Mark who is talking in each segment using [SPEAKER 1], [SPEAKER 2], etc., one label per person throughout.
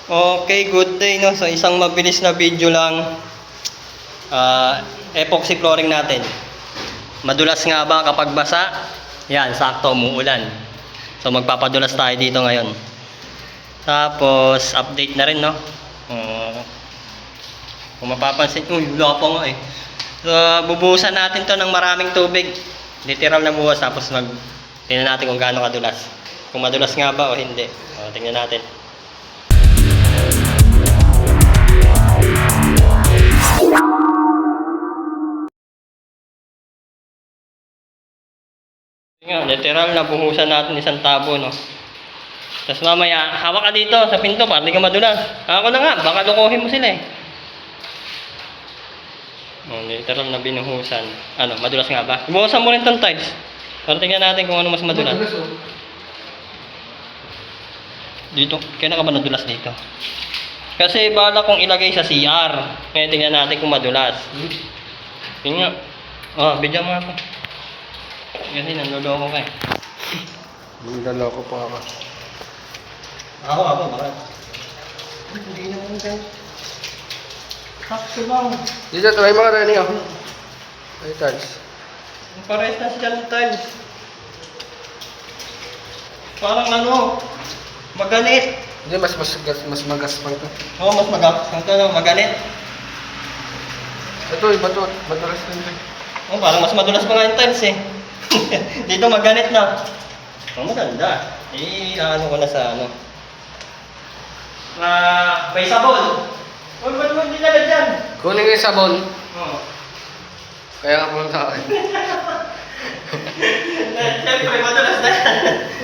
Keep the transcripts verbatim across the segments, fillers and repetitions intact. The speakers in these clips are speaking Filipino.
[SPEAKER 1] Okay, good day no. So isang mabilis na video lang. Uh, epoxy flooring natin. Madulas nga ba kapag basa? Yan, sakto umuulan. So magpapadulas tayo dito ngayon. Tapos update na rin no. Uh, kung mapapansin, uy, wala pa nga eh. So bubuhusan natin to ng maraming tubig. Literal na buhos, tapos mag tingnan natin kung gaano kadulas. Kung madulas nga ba o hindi. O, tingnan natin. Nga, literal na buhusan natin isang tabo, no? Tapos mamaya, hawak ka dito sa pinto para di ka madulas. Ako na nga, baka lukuhin mo sila eh. Oh, literal na binuhusan. Ano, madulas nga ba? Buhusan mo rin tong tiles. Para tingnan natin kung ano mas madulas. Dito, kailan ka ba nadulas dito? Kasi bala kong ilagay sa C R. Kaya tingnan natin kung madulas. Tingnan. Oh, bigyan mo ako. Kasi nanloloko ka eh.
[SPEAKER 2] Nanloloko pa ako.
[SPEAKER 1] Ako, ako, bakit? Hindi naman ka. Sakto lang.
[SPEAKER 2] Dito, try mga running ako. Ay, tiles.
[SPEAKER 1] Pares na sila ng tiles. Parang ano, maganit.
[SPEAKER 2] Hindi, mas mas mas magaspang to.
[SPEAKER 1] Oo, oh, mas magas. Ang tanong, maganit.
[SPEAKER 2] Ito, iba to. Madulas na ito.
[SPEAKER 1] Oh, parang mas madulas pa nga yung tiles eh. Dito maganit na. Oh, maganda. Eh, ano ko na sa ano. Ah, may sabon. Huwag ba naman dinala dyan?
[SPEAKER 2] Kunin ko yung sabon.
[SPEAKER 1] Oo.
[SPEAKER 2] Kaya ka pumunta ako.
[SPEAKER 1] Siyempre, madulas na yan.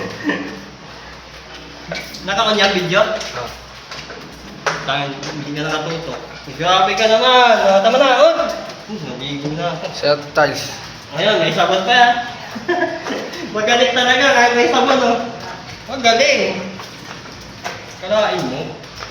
[SPEAKER 1] Nakakunyang video?
[SPEAKER 2] Ah.
[SPEAKER 1] Tangin, hindi ka nakatutok. Grabe ka naman. Ah, tama na. Oh! Naligo na ako.
[SPEAKER 2] Sa tiles.
[SPEAKER 1] Ngayon, may sabon pa yan. Magaling talaga kahit may sabon, oh. Magaling. Kalain mo.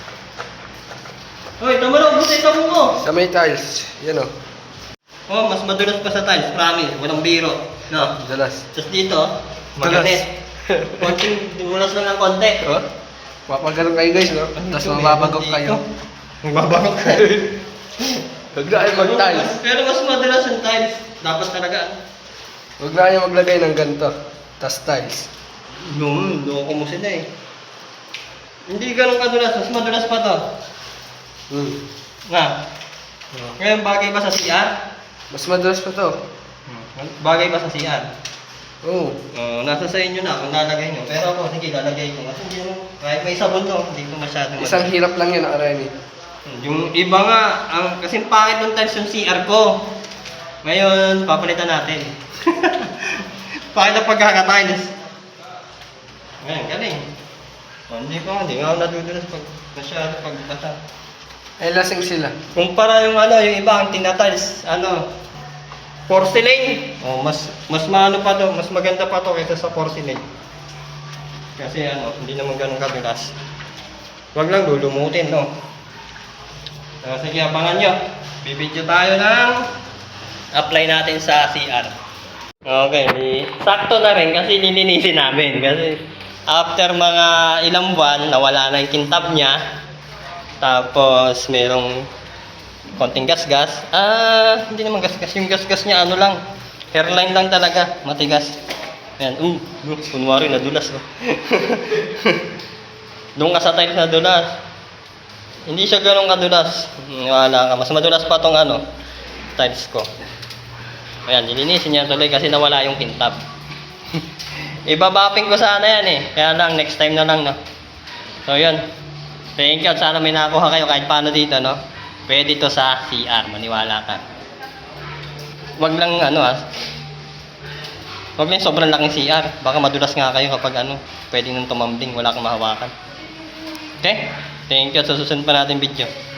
[SPEAKER 1] Hoy, tama na, ubus na yung sabon mo.
[SPEAKER 2] Sa may tiles. Yan o.
[SPEAKER 1] Oh, mas madulas pa sa tiles, promise. Walang biro. No?
[SPEAKER 2] Dalas.
[SPEAKER 1] Tapos dito, maganit. Konting dulas lang ng konti.
[SPEAKER 2] Oh? Mapagalang kayo guys, no? Tapos mababagok kayo.
[SPEAKER 1] Mababagok kayo.
[SPEAKER 2] Huwag na kayo mag-tiles.
[SPEAKER 1] Pero mas madulas yung tiles. Dapat talaga.
[SPEAKER 2] Huwag na kayo maglagay ng ganito. Tapos tiles.
[SPEAKER 1] No, loko mo sila eh. Hindi ganun kadulas. Mas madulas pa to.
[SPEAKER 2] Hmm.
[SPEAKER 1] Nga.
[SPEAKER 2] Oh.
[SPEAKER 1] Ngayon, bagay ba sa C R?
[SPEAKER 2] Mas madulas pa to.
[SPEAKER 1] Bagay ba sa C R?
[SPEAKER 2] Oo.
[SPEAKER 1] Uh, nasa sa inyo na kung lalagay nyo. Pero ako, sige, lalagay ko. Kasi hindi mo, kahit may sabon to, hindi ko masyadong
[SPEAKER 2] Isang hirap lang yun, Arani.
[SPEAKER 1] yung iba nga, ang, kasi pangit ng tiles yung C R ko. Ngayon, papalitan natin. Pangit ang pagkakatiles. Ngayon, galing. Oh, hindi ko, hindi nga ako nadudulas pag masyado pagbasa.
[SPEAKER 2] Ay, lasing sila.
[SPEAKER 1] Kumpara yung ano, yung iba ang tinatiles, ano, porcelain. Oh, mas mas maano pa to, mas maganda pa to kaysa sa porcelain. Kasi ano, hindi naman ganun kabilas. Huwag lang lulumutin, no. So, sige, abangan nyo. Bibidyo tayo ng apply natin sa C R. Okay, di, sakto na rin kasi lilinisin namin. Kasi after mga ilang buwan, nawala na yung kintab niya. Tapos merong konting gasgas. Ah, hindi naman gasgas. Yung gasgas niya ano lang. Hairline lang talaga. Matigas. Ayan. Uh, uh kunwari nadulas. Oh. Doon ka sa tiles nadulas. Hindi siya ganun kadulas. Wala ka. Mas madulas pa tong ano, tiles ko. Ayan, nilinisin niya tuloy kasi nawala yung kintab. Ibabapping ko sana yan eh. Kaya lang, next time na lang, no. So, yun. Thank you. Sana may nakuha kayo kahit paano dito, no. Pwede to sa C R, maniwala ka. Wag lang ano ah. Wag lang sobrang laking C R. Baka madulas nga kayo kapag ano, pwede nang tumambling, wala kang mahawakan. Okay? Thank you. Sa susunod pa natin video.